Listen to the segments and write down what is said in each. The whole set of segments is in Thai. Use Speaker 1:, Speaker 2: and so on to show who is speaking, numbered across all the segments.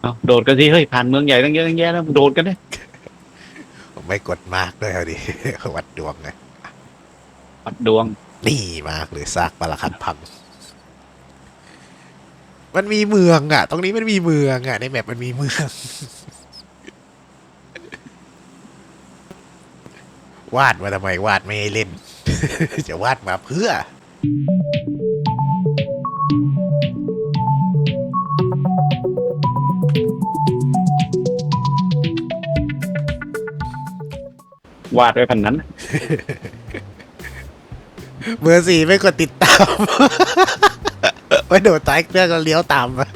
Speaker 1: เอาโดดกันสิเฮ้ยผ่านเมืองใหญ่ตั้งเยอะตั้งแยะแล้วโดดกันเนี่ย
Speaker 2: ผมไม่กดมากด้วยเอาดิ วัดดวงไง
Speaker 1: ปัดดวง
Speaker 2: นี่มากหรือซากปรักหักพังมันมีเมืองอ่ะตรงนี้มันมีเมืองอ่ะในแมปมันมีเมือง วาดมาทำไมวาดไม่ให้เล่น จะวาดมาเพื่อ
Speaker 1: วาดไว้พันนั้น
Speaker 2: เบอร์สี่ไม่กดติดตาม ไว้โดดใต้เครื่องก็เลี้ยวตามมา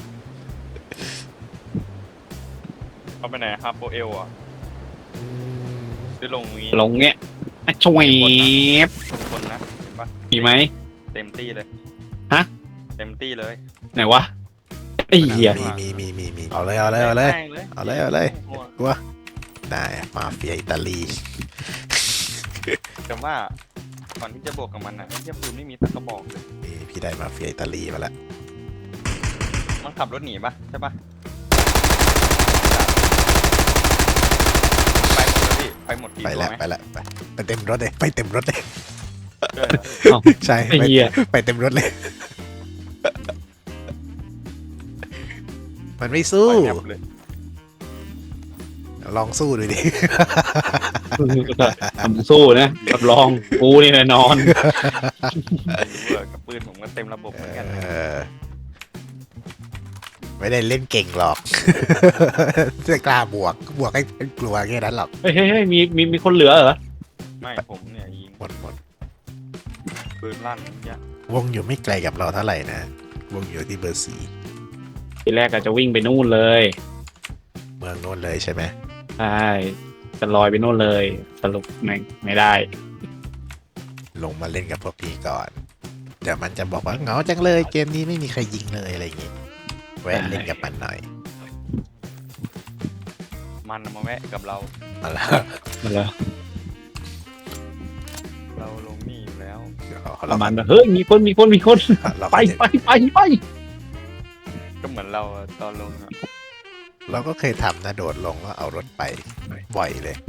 Speaker 3: เอาไปไหนครับโบเอลอ่ะจะลงนี้
Speaker 1: ลงเนี้ยอ่ะชวยบ
Speaker 3: คนนะเห็นปะ
Speaker 1: มีไหม
Speaker 3: เต็มตี้เลย
Speaker 1: ฮะ
Speaker 3: เต็มตี้เลย
Speaker 1: ไหนวะไอ้เหี้ย
Speaker 2: มีเอาเลยเอาเลยเอาเลย
Speaker 3: แม่งเลย
Speaker 2: เอาเลยเอาเลย
Speaker 3: โอ้โห
Speaker 2: กลัวได้มาเฟียอิตาลี
Speaker 3: แต่ว่าก่อนที่จะบวกกับมันอ่ะไอ้เหี้ยปืนไม่มีตะกระบอกเลย
Speaker 2: นี่พี่ได้มาเฟียอิตาลีมาแล้ว
Speaker 3: มันขับรถหนีปะใช่ปะไปหมดแล้วพี่ไปหมดกี่
Speaker 2: ไป
Speaker 3: ตัว
Speaker 2: แล้ว
Speaker 3: ไหม
Speaker 2: ไปแล้วไปเต็มรถเลยไปเต็มรถเลย
Speaker 3: เออ
Speaker 1: เอ้า
Speaker 2: ใช่
Speaker 1: ไอ้เหี้ย
Speaker 2: ไปเต็มรถเลย มันไม่สู้
Speaker 3: ไปแนบเลย
Speaker 2: ลองสู้ดูดิ
Speaker 1: ทำสู้นะรับรองกูนี่แน่นอน
Speaker 3: เบื่อกับปืนผมก็เต็มระบบเหมือนกัน
Speaker 2: ไม่ได้เล่นเก่งหรอก จะกล้าบวกให้กลัวแค่นั้นหรอก
Speaker 1: เฮ้ยเฮ้ยเฮ้ยมีคนเหลือเหรอ
Speaker 3: ไม่ผมเนี่ยยิง
Speaker 2: หมด
Speaker 3: ปืนลั่นเนี่ยว
Speaker 2: งอยู่ไม่ไกลกับเราเท่าไหร่นะ วงอยู่ที่เบอร์สี่
Speaker 1: ทีแรกอาจจะวิ่งไปนู่นเลย
Speaker 2: เมืองโน้นเลยใช่ไหม
Speaker 1: ใช่จะลอยไปนู่นเลยสรุปไม่ได้
Speaker 2: ลงมาเล่นกับพวกพี่ก่อน เดี๋ยวมันจะบอกว่าเหงาจังเลย เกมนี้ไม่มีใครยิงเลยอะไรอย่างงี้แวะเล่นกับมันหน่อย
Speaker 3: มันมาแวะกับเรา
Speaker 2: มาแล้ว
Speaker 1: มันแล้ว
Speaker 3: เราลงนี่อยู่แล้ว
Speaker 1: ประมาณว่าเฮ้ยมีคน
Speaker 2: เรา
Speaker 1: ไป
Speaker 2: ไป
Speaker 3: ก็เหมือนเราอะตอนลงอะ
Speaker 2: เราก็เคยทำนะโดดลงแล้วเอารถไปบ่อยเลย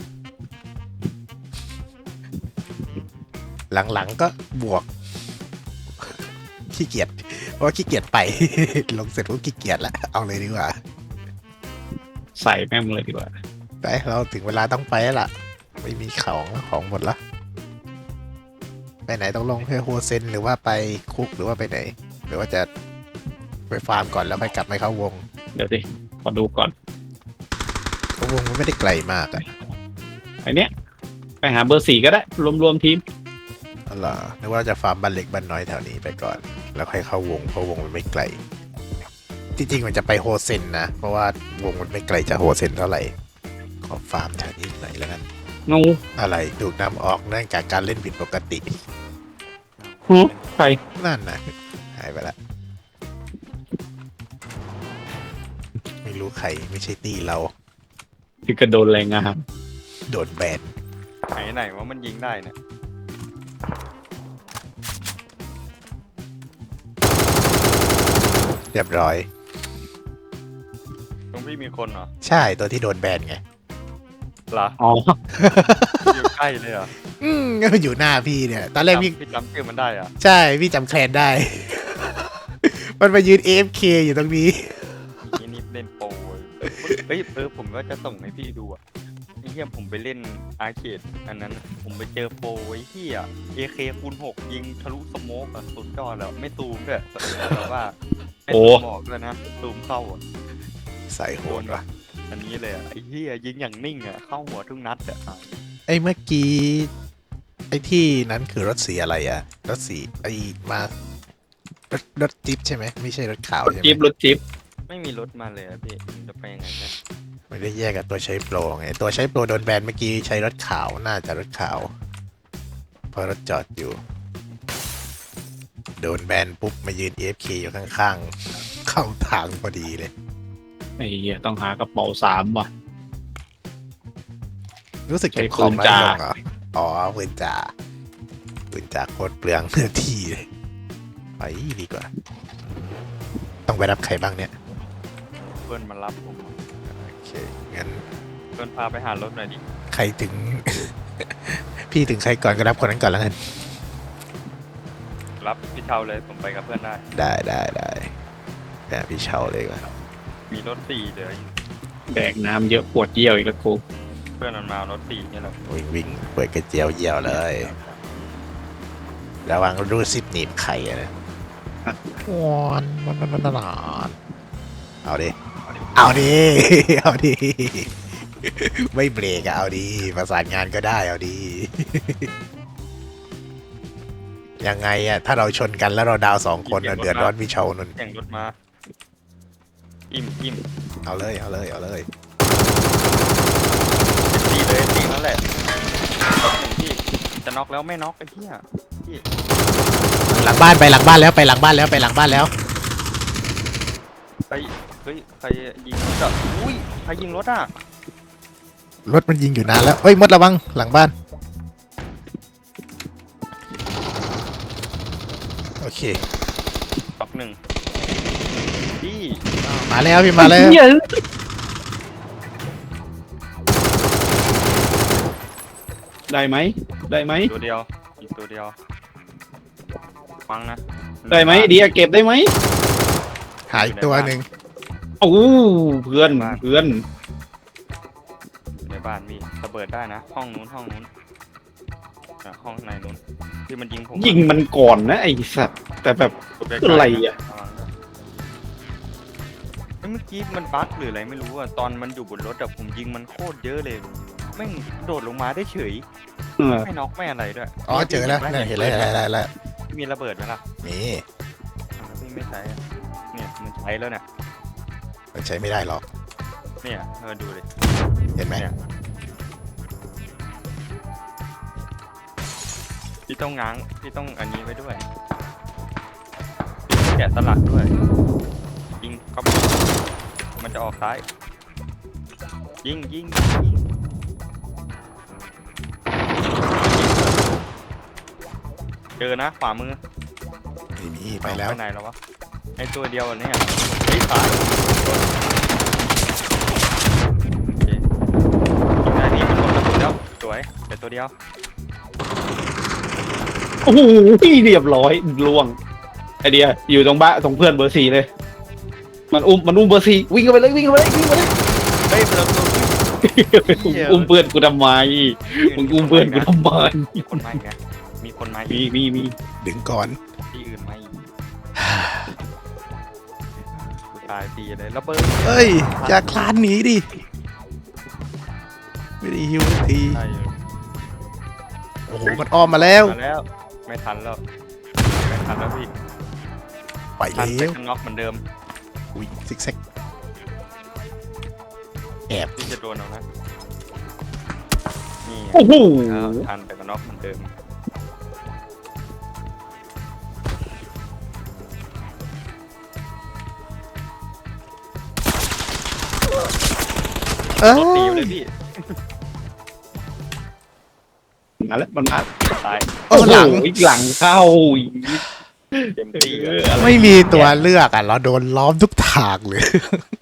Speaker 2: หลังๆก็บวก ขี้เกียจเพราะว่าขี้เกียจไป ลงเสร็จก็ขี้เกียจละเอาเลยดีกว่า
Speaker 1: ใส่แม่งเลยดีกว่า
Speaker 2: ไปเราถึงเวลาต้องไปแล้วล่ะ ไม่มีของหมดละไปไหนต้องลงเพื่อโฮเซนหรือว่าไปคุกหรือว่าไปไหน หรือว่าจะไปฟาร์มก่อนแล้วค่อยกลับไปเข้าวง
Speaker 1: เดี๋ยวสิขอดูก่อน
Speaker 2: เพราะวงมันไม่ได้ไกลมากอะ
Speaker 1: ไอเนี้ยไปหาเบอร์สี่ก็ได้รวมทีม
Speaker 2: อ๋อเหรอนึกว่าจะฟาร์มบ้านเล็กบ้านน้อยแถวนี้ไปก่อน แล้วค่อยเข้าวงเพราะวงมันไม่ไกลจริงๆมันจะไปโฮเซนนะเพราะว่าวงมันไม่ไกลจากโฮเซนเท่าไหร่ขอฟาร์มแถวนี้หน่อยแล้วกัน
Speaker 1: งู
Speaker 2: อะไรถูกนำออกเนื่องจากการเล่นผิดปกติ
Speaker 1: หูใคร
Speaker 2: นั่นนะหายไปละไม่รู้ใครไม่ใช่ตีเรา
Speaker 1: ที่กระโดนแรงงาน
Speaker 2: โดนแบน
Speaker 3: ไหนว่ามันยิงได้เนี่ย
Speaker 2: เรียบร้อย
Speaker 3: ตรงพี่มีคนเหรอ
Speaker 2: ใช่ตัวที่โดนแบนไง
Speaker 3: เหรอ
Speaker 1: อ๋อ
Speaker 3: อยู่ใกล้เลยเหรอ
Speaker 2: ก็อยู่หน้าพี่เนี่ยตอนแรกพี่
Speaker 3: พี่จำชื่อมันได้เหรอะ
Speaker 2: ใช่พี่จำแคลนได้ มันมายืน AFK อยู่ตรงนี้
Speaker 3: นี่เล่นโปรเฮ้ยผมว่าจะส่งให้พี่ดูอะไอ้เหี้ยผมไปเล่นอาร์เคดอันนั้นผมไปเจอโปรไอ้เหี้ย AK คูณ6ยิงทะลุสโมกอะสุดยอดแล้วไม่ซูมด้วยแต่ว่าไม่ซูมออกเลยนะซูมเข้าอะ
Speaker 2: ใส่โหดว่ะ
Speaker 3: อันนี้เลยอะไอ้เหี้ยยิงอย่างนิ่งอะเข้าหัวทุกนัดอะ
Speaker 2: ไอ้เมื่อกี้ไอ้ที่นั้นคือรถสีอะไรอะรถสีไอ้มารถจิ๊บใช่ไหมไม่ใช่รถขาวใช่ไหม
Speaker 1: รถจิ๊บ
Speaker 3: ไม่มีรถมาเลยอะพี่จะไปยังไงเนี่ย
Speaker 2: ไม่ได้แยกกับตัวใช้โปรไงตัวใช้โปรโดนแบนเมื่อกี้ใช้รถขาวน่าจะรถขาวเพราะรถจอดอยู่ โดนแบนปุ๊บมายืน AFK อยู่ข้างๆ เข้าทางพอดีเลย
Speaker 1: ไอ้เหี้ยต้องหากระเป๋า3ว่ะ
Speaker 2: รู้สึก
Speaker 1: ใช้
Speaker 2: เก็บของ
Speaker 1: ปืน
Speaker 2: น้อย
Speaker 1: จ่า
Speaker 2: ลงเหรออ๋อปืนจ่าโคตรเปลืองเนื้อที่เลยไปดีกว่า ต้องไปรับใครบ้างเนี่ย
Speaker 3: เบพื่อนมารับผม
Speaker 2: โอเคงั้น
Speaker 3: เพื่อนพาไปหารถหน่อยดิ
Speaker 2: ใครถึง พี่ถึงใครก่อนก็รับคนนั้นก่อนแล้วกัน
Speaker 3: รับพี่เชาเลยผมไปกับเพื่อนได้
Speaker 2: ได้แบบพี่เชาเลยก่อน
Speaker 3: มีรถสี่เดี๋ยว
Speaker 1: แดกน้ำเยอะปวดเยี่ยวอีกแล้วกู
Speaker 3: เพื่อนมันมาเอารถสี่เนี่ยแหละ
Speaker 2: วิ่งเปิดกระเจียวเยี่ยวเลยระวังรูดซิปหนีบไข่อะนะวอนเอาดิ เอาดิ เอาดิ ไม่เบรกอะเอาดิประสานงานก็ได้เอาดิ ยังไงอะถ้าเราชนกันแล้วเราดาวสองคนอะเดือดร้อนพี่เชานุ่น
Speaker 3: แข่งรถมาอิ่ม
Speaker 2: เอาเลย
Speaker 3: ตีเลยตีนั่นแหละรถหนึ่งพี่จะน็อกแล้วไม่น็อกไอ้เหี้ยพี่
Speaker 2: หลังบ้านไปหลังบ้านแล้วไปหลังบ้านแล้วไปหลังบ้านแล้ว
Speaker 3: ไปเฮ้ยใครยิงรถอ่ะอุ้ยใครยิงรถอ่ะ
Speaker 2: รถมันยิงอยู่นานแล้วเอ้ยมดระวังหลังบ้าน โอเค
Speaker 3: น็อกหนึ่งพี่
Speaker 2: มาแล้วพี่มาแล้ว
Speaker 1: เหี้ยได้ไหมได้ไหม
Speaker 3: ตัวเดียวอีกตัวเดียวฟังนะ
Speaker 1: ได้ไหมเดียเก็บได้ไหม
Speaker 2: หายตัวหนึ่ง
Speaker 1: โอ้เพื่อนเพื่อน
Speaker 3: ในบ้านพี่ระเบิดได้นะ ห้องนู้นห้องในนู้นที่มันยิงผม
Speaker 1: ยิงมันก่อนนะไอ้สัตว์แต่แบบ อะไรอะ
Speaker 3: เมื่อกี้มันบั๊กหรืออะไรไม่รู้อะตอนมันอยู่บนรถอะผมยิงมันโคตรเยอะเลยแม่งโดดลงมาได้เฉย
Speaker 1: เออ
Speaker 3: ไม่น็อกไม่อะไรด้วย
Speaker 2: อ๋อเจอแล้วเนี่ยเห็นแล้ว
Speaker 3: พี่มีระเบิดไหมล่ะ
Speaker 2: นี่
Speaker 3: พี่ไม่ใช้อะเนี่ยมันใช้แล้วเนี่ย
Speaker 2: มันใช้ไม่ได้หรอก
Speaker 3: เนี่ยดูดิ
Speaker 2: เห็นไหม
Speaker 3: เนี่ยพี่ต้องง้างพี่ต้องอันนี้ไว้ด้วยแกะสลักด้วยยิงก็มันจะออกซ้ายยิงเจอนะขวามือ
Speaker 2: ไม่มีไปแล้ว
Speaker 3: ไปไหนแล้ววะไอตัวเดียวอันเนี่ยเฮ้ยซ้ายโอเคยิงได้นี่มันหมดกระสุนแล้วสวยแต่ตัวเดียว
Speaker 1: โอ้โหเรียบร้อยล่วงไอเดียอยู่ตรงบ้านตรงเพื่อนเบอร์สี่เลย มันอุ้มเบอร์สี่วิ่งเข้าไปเลย
Speaker 3: เฮ้ยเราตัว
Speaker 1: อุ้มเพื่อนกูทำไมมึงอุ้มเพื่อนกูทำไม
Speaker 3: มีคนมาอีกนะมีคนมาอีก
Speaker 1: มี
Speaker 2: ดึงก่อน
Speaker 3: ที่อื่นมาอีกกูตายตีเลยระเบิด
Speaker 2: เอ้ยอย่าคลานหนีดิไม่ได้ฮิวสักที
Speaker 3: ใช่อยู่
Speaker 2: โอ้โหมันอ้อมมาแล้ว
Speaker 3: มาแล้วไม่ทันแล้วพี่
Speaker 2: ไป
Speaker 3: ทัน
Speaker 2: แล้
Speaker 3: แต่
Speaker 2: ว
Speaker 3: กันน็อกเหมือนเดิม
Speaker 2: อุ้ยซิกแซกแอบ
Speaker 3: ที่จะโดนเอานะนี่
Speaker 1: โอ้โห
Speaker 3: แล้วทันแต่กันน็อกเหมือนเดิม
Speaker 2: เอ้
Speaker 3: รถตี
Speaker 2: ย
Speaker 3: เลยพี่
Speaker 1: มาแล้วมันมา
Speaker 3: ตาย
Speaker 2: โอ้หลัง
Speaker 1: อีกหลังเข้าอีก
Speaker 3: เต็มที่
Speaker 1: เอ
Speaker 3: อะ
Speaker 1: ออะไร
Speaker 2: ไม่มีตัวเลือกอ่ะเราโดนล้อมทุกทางเลย